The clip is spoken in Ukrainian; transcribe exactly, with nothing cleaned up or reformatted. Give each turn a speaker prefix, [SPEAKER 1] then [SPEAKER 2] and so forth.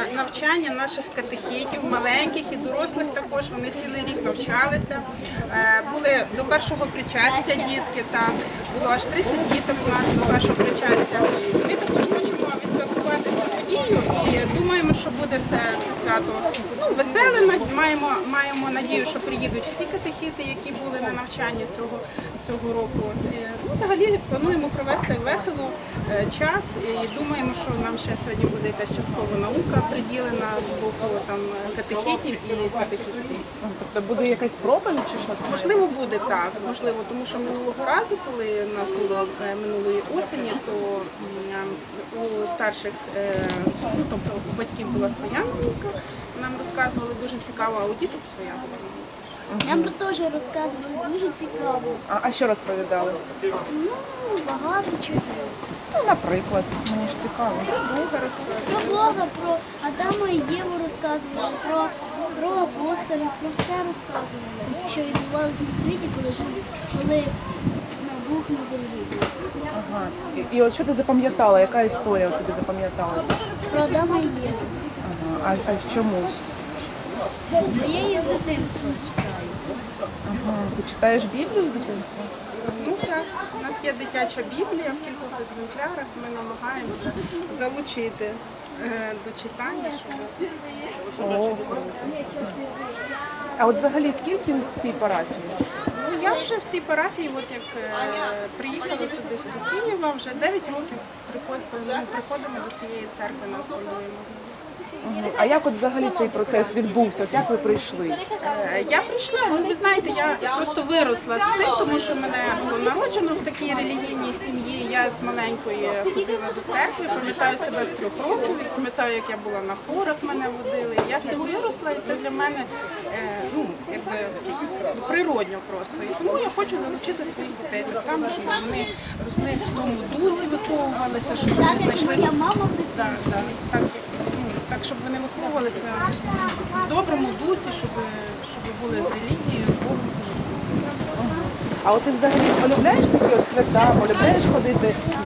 [SPEAKER 1] навчання наших катехітів, маленьких і дорослих також. Вони цілий рік навчалися. Е, Були до першого причастя дітки, так, було аж тридцять діток у нас до першого причастя. Ми також хочемо відсвяткувати цю подію і думаємо, що буде все це свято ну, веселе. Маємо, маємо надію, що приїдуть всі катехіти, які були на навчанні цього, цього року. І, ну, взагалі плануємо провести весело е, час і думаємо, що нам ще сьогодні буде якась часткова наука приділена з боку там, катехітів і святих отців.
[SPEAKER 2] Тобто буде якась проповідь чи що це?
[SPEAKER 1] Можливо, буде так, можливо, тому що минулого разу, коли у нас було е, минулої осені, то м, у старших, е, ну, тобто у батьків була своя наука, нам розказували дуже цікаво, а у діток своя була наука.
[SPEAKER 3] Нам теж розказували дуже цікаво.
[SPEAKER 2] А, а що розповідали?
[SPEAKER 3] Ну, багато чого.
[SPEAKER 2] Ну, наприклад, мені ж цікаво.
[SPEAKER 1] Бога розказували.
[SPEAKER 3] Про Бога, про Адама і Єву розказували, про, про апостолів, про все розказували, що відбувалося на світі, коли жив, коли на Бог на землі був.
[SPEAKER 2] Ага. І, і от що ти запам'ятала? Яка історія тобі запам'яталася?
[SPEAKER 3] Про Адама і Єву.
[SPEAKER 2] Ага. А, а чому?
[SPEAKER 3] А я її з дитинства читаю.
[SPEAKER 2] Ага. Ти читаєш Біблію з дитинства?
[SPEAKER 1] Ну так, у нас є дитяча Біблія в кількох екземплярах, ми намагаємося залучити е, до читання, щоб
[SPEAKER 2] О, круто. А от взагалі скільки в цій парафії?
[SPEAKER 1] Ну, я вже в цій парафії, от як е, приїхала сюди в Києва, вже дев'ять років приход, ну, приходимо до цієї церкви на Оскольної.
[SPEAKER 2] Мгм. А як от взагалі цей процес відбувся? От як ви прийшли?
[SPEAKER 1] Е, Я прийшла, ну ви знаєте, я просто виросла з цим, тому що мене було народжено в такій релігійній сім'ї. Я з маленької ходила до церкви, пам'ятаю себе з трьох років, і пам'ятаю, як я була на хорах, мене водили. Я з цим виросла, і це для мене е, ну, якби природньо просто. І тому я хочу залучити своїх дітей так само, щоб вони росли в тому дусі, виховувалися, щоб вони знайшли
[SPEAKER 3] Моя мама
[SPEAKER 1] так, так, так, ну, так, щоб вони виховувалися в доброму дусі, щоб, щоб були з релігією, з Богом.
[SPEAKER 2] А от ти взагалі полюбляєш такі от свята, полюбляєш ходити